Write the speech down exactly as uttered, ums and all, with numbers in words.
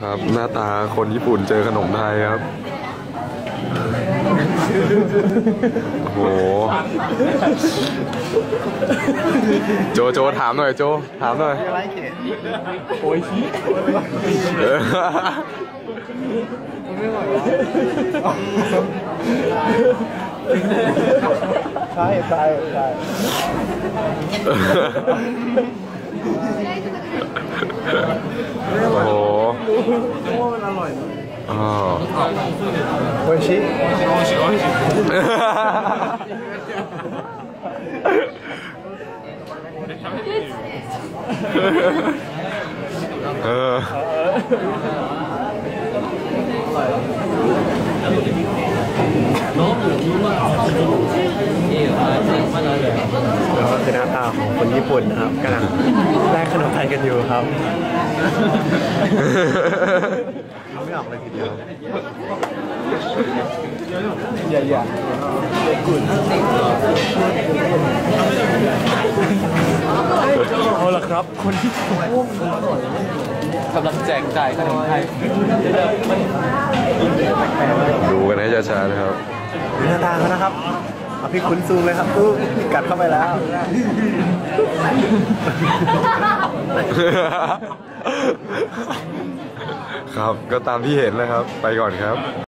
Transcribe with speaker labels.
Speaker 1: ครับหน้าตาคนญี่ปุ่นเจอขนมไทยครับโอ้โหโจโจถามหน่อยโจถามหน่อยโอ้ยชี้
Speaker 2: ใช่ใช่ใช่
Speaker 1: โอ้โห
Speaker 2: ว่ามันอร่อยนะ
Speaker 1: อ๋อ
Speaker 2: โอ้ยชิโอ้ยชิโอ้ยชิโอ้ยชิ
Speaker 1: เออ
Speaker 2: แล้วก็คือหน้าตาของคนญี่ปุ่นนะครับกำลังแลกขนมไทยกันอยู่ครับไม่ออกเลยทีเดียวอย่าอย่ากุ่นเอาละครับคนที่กำลังแจกจ่ายขนมไทย
Speaker 1: ดูกันให้ช้าๆนะครับ
Speaker 2: หน้าตาเขานะครับเอาพี่คุ้นซูมเลยครับตู้กัดเข้าไปแล้ว
Speaker 1: ครับก็ตามที่เห็นนะครับไปก่อนครับ